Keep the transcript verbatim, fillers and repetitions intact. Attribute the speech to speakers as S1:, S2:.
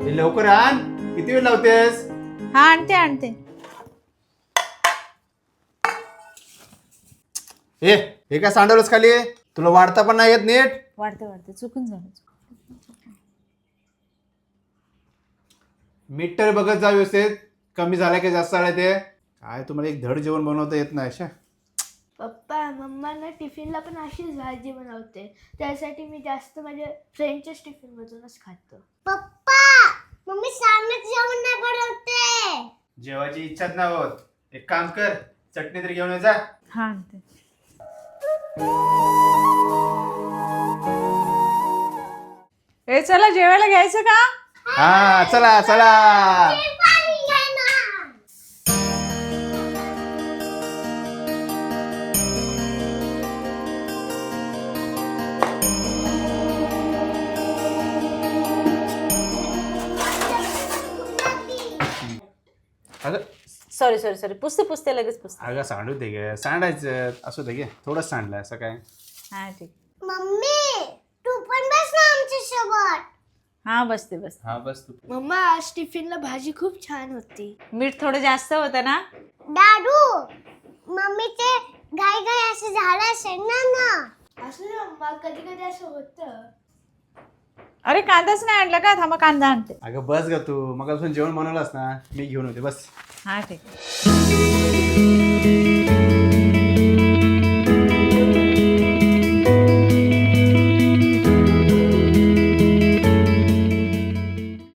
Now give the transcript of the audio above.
S1: हे लवकर आण. किती वेळ लावतेस?
S2: हा आणते आणते.
S1: ए हे काय सांडवलंस खाली? तुला वाढता पण नाही येत नीट.
S2: वाढते वाढते चुकून झालं.
S1: मीठ तर बघत जा व्यवस्थित. कमी झालं की जास्त झालं ते. काय तुम्हाला एक धड जेवण बनवता येत नाही अशा.
S3: पप्पा मम्मा ना टिफिनला पण अशीच भाजी बनवते. त्यासाठी मी जास्त माझ्या फ्रेंडच्याच टिफिनमधूनच खातो.
S4: पप्पा मम्मी सारखं जेवण नाही बनवते.
S1: जेवायची इच्छाच नाही होत. एक काम कर, चटणी तरी घेऊन ये जा.
S2: हा आणते. ए चला जेवायला घ्यायचं का?
S1: हा चला चला.
S4: पाणी घ्या ना.
S1: अगं
S2: सॉरी सॉरी सॉरी पुसते पुसते लगेच पुसते.
S1: अगं सांडू दे गे. सांडायचं असू दे गे. थोडंच सांडलं असं काय.
S2: हा ठीक.
S4: मम्मी तू पण बस ना आमच्या सोबत.
S2: हा बसते बसते.
S1: हा बस तू.
S3: मम्मा आज टिफिनला भाजी खूप छान होती.
S2: मीठ थोडं जास्त होतं ना.
S4: दादू मम्मीचे घाई घाई असं झालं असेल ना ना.
S3: असं ना मम्मा कधी कधी असं होतं.
S2: अरे कांदाच नाही आणला का? थांबा कांदा आणते.
S1: अगं बस ग तू. मग अजून जेवण बनवलंस ना, मी घेऊन होते बस.
S2: हा ठीक.